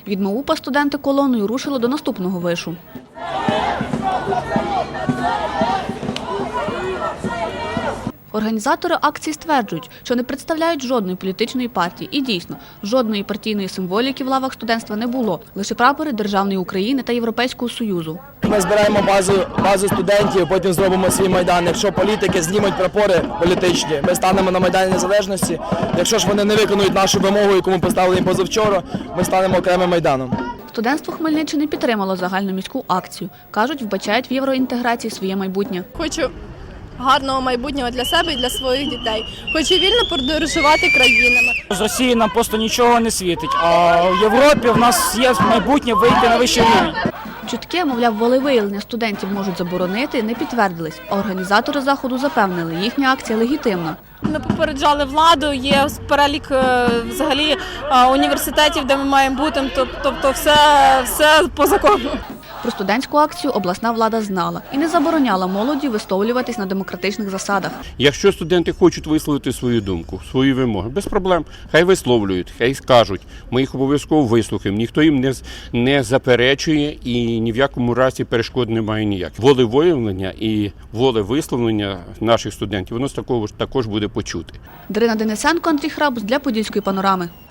Від МАУПа студенти колоною рушили до наступного вишу. Організатори акції стверджують, що не представляють жодної політичної партії. І дійсно, жодної партійної символіки в лавах студентства не було. Лише прапори Державної України та Європейського Союзу. Ми збираємо базу студентів, потім зробимо свій Майдан. Якщо політики знімуть прапори політичні, ми станемо на Майдані Незалежності. Якщо ж вони не виконують нашу вимогу, яку ми поставили їм позавчора, ми станемо окремим Майданом. Студентство Хмельниччини підтримало загальноміську акцію. Кажуть, вбачають в євроінтеграції своє майбутнє. Хочу гарного майбутнього для себе і для своїх дітей. Хочу вільно подорожувати країнами. З Росії нам просто нічого не світить, а в Європі в нас є майбутнє вийти на вищий рівень. Чутки, мовляв, волевиявлення студентів можуть заборонити, не підтвердились. А організатори заходу запевнили, їхня акція легітимна. Ми попереджали владу, є перелік взагалі університетів, де ми маємо бути, тобто все по закону. Про студентську акцію обласна влада знала і не забороняла молоді висловлюватись на демократичних засадах. Якщо студенти хочуть висловити свою думку, свої вимоги, без проблем, хай висловлюють, хай скажуть. Ми їх обов'язково вислухаємо, ніхто їм не заперечує і ні в якому разі перешкод немає ніяких. Волевиявлення і волевисловлення наших студентів, воно також буде почути. Дарина Денисенко, Андрій Храбус для Подільської панорами.